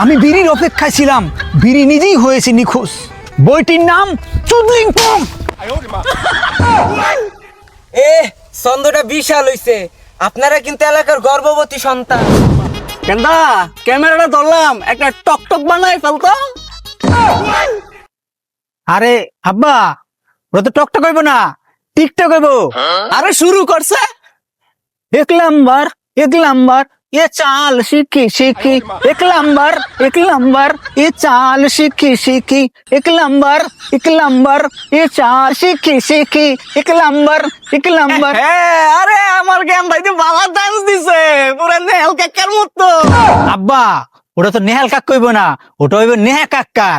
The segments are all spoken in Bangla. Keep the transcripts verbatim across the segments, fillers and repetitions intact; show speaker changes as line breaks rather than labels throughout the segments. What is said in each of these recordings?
আমি বিড়ির অপেক্ষায় ছিলাম, বিড়ি নিজেই হয়েছে নিখোঁজ। বইটির নাম চুদলিং পং।
এ ছন্দটা বিশাল হইছে। আপনারা কিন্তু এলাকার গর্ভবতী সন্তান।
কেন্দা ক্যামেরাটা ধরলাম, একটা টক টক বানাই ফেলতো।
আরে আব্বা, ওরা তো টকটক হইব না, টিকটক হইব।
আরে শুরু করছে।
এক নাম্বার এক নাম্বার এ চাল শিখি শিখি, এক নাম্বার এক নাম্বার এ চাল শিখি শিখি, এক নাম্বার এক নাম্বার এ চাল শিখি শিখি, এক নাম্বার এক নাম্বার।
হ্যাঁ, আরে আমার জ্ঞান ভাই তো বাবা ডান্স দিছে পুরা নেহাল কাকার মতো।
আব্বা, ওটা তো নেহাল কাক কইব না, ওটা হইব নেহা কাক্কার।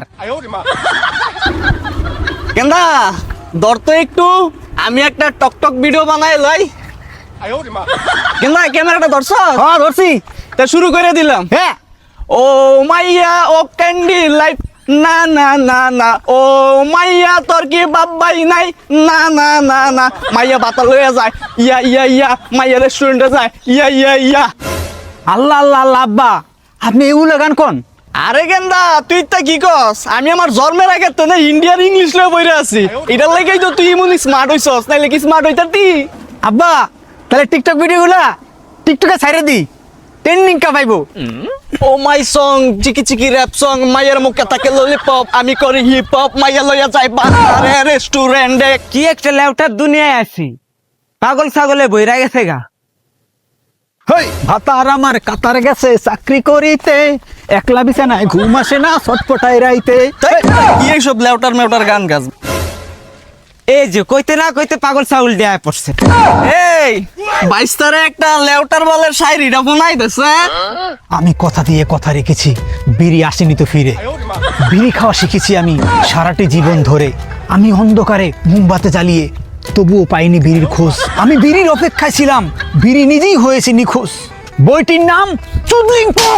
কেন্দা ধর তো একটু, আমি একটা টক টক ভিডিও বানাই লাই। কেন্দা ক্যামেরাটা ধরছ?
হ্যাঁ ধরছি।
তা শুরু করে দিলাম।
হ্যাঁ,
ও মাইয়া ও ক্যান্ডি লাইট, না না না না। ও মাইয়া তোর কি বাবাই নাই, না না না না। মাইয়া বাতা লইয়া যায়, ইয়া ইয়া ইয়া। মাইয়া রেস্টুরেন্টে যায়, ইয়া ইয়া ইয়া।
আল্লাহ আল্লাহ আল্লাহ। আব্বা, আপনি এগুলো গান কোন?
আরে গেন্দা তুই তা কি কস? আমি আমার জন্মের আগে তো না ইন্ডিয়ার ইংলিশ লয়ে বইরা আছি। এটার লাগেই তো তুই এমন স্মার্ট হইছস, নাইলে কি স্মার্ট হইতাতি?
আব্বা, তাহলে টিকটক ভিডিওগুলা টিকটকে ছাইরে দি, ট্রেন্ডিং কা পাইবো।
ও মাই সং, চিকি চিকি র‍্যাপ সং, মাইয়ার মুখে থাকে ললিপপ, আমি করি হিপ হপ, মাইয়া লইয়া যাই বাজারে রেস্টুরেন্টে।
কি একটা লেউটার দুনিয়ায় আছি, পাগল ছাগলে বইরা গেছে গা।
হই ভাতার আমার কাতার গেছে চাকরি করিতে, একলা বিছানায় ঘুম আসে না ছটপটাই রাইতে।
কি এইসব লেউটার মেউটার গান গাছ?
এই যে কইতে না কইতে পাগল ছাগল দেয়া পড়ছে।
এই বাইস্তারে একটা লেউটার বলের শায়রিটা বানাই দেছে।
আমি কথা দিয়ে কথা রেখেছি, বিড়ি আসেনি তো ফিরে। বিড়ি খাওয়া শিখেছি আমি সারাটি জীবন ধরে। আমি অন্ধকারে মোমবাতি জ্বালিয়ে তবুও পাইনি বিড়ির খোঁজ। আমি বিড়ির অপেক্ষায় ছিলাম, বিড়ি নিজেই হয়েছে নিখোঁজ। বইটির নাম চুদলিং পং।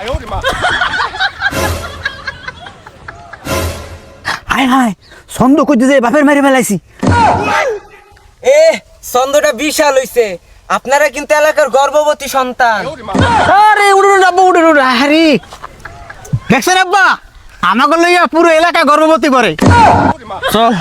হায় হায়, ছন্দ করতে যে বাপের মারি ফেলাইছি।
এ ছন্দটা বিশাল হইছে। আপনারা কিন্তু এলাকার গর্ভবতী সন্তান।
আরে উড়ুন আব্বা, উড়ুন উড়ুন। আরে দেখছেন আব্বা, আমাকে লইয়া পুরো এলাকা গর্ভবতী করে।
চল।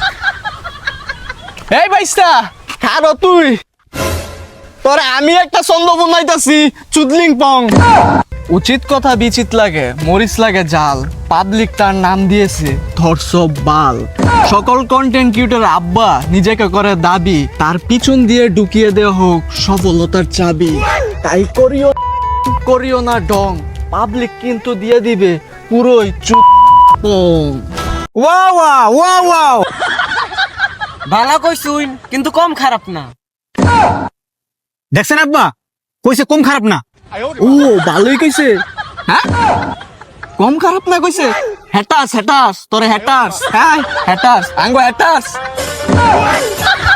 এই বাইস্তা কারো তুই, তোরে আমি একটা ছন্দ বানাইতাছি, চুদলিং পং। উচিত কথা বিচিত লাগে, মরিচ লাগে জাল। পাবলিক তার নাম দিয়েছে ধর্ষক বাল। সকল কন্টেন্ট ক্রিয়েটর আব্বা নিজেকে করে দাবি, তার পিছন দিয়ে ঢুকিয়ে দেওয়া হোক সফলতার চাবি। তাই করিও করিও না ডং, পাবলিক কিন্তু দিয়ে দিবে পুরোই চুদ পং।
Wow wow wow wow.
ভালো কইছুন, কিন্তু কম খারাপ না।
দেখছেন আব্বা, কইছে কম খারাপ না।
ও ভালোই কইছে। হ্যাঁ কম খারাপ না কইছে। হ্যাটাস হ্যাটাস তোরে হ্যাটাস, হ্যাঁ হ্যাটাস আঙ্গো হ্যাটাস।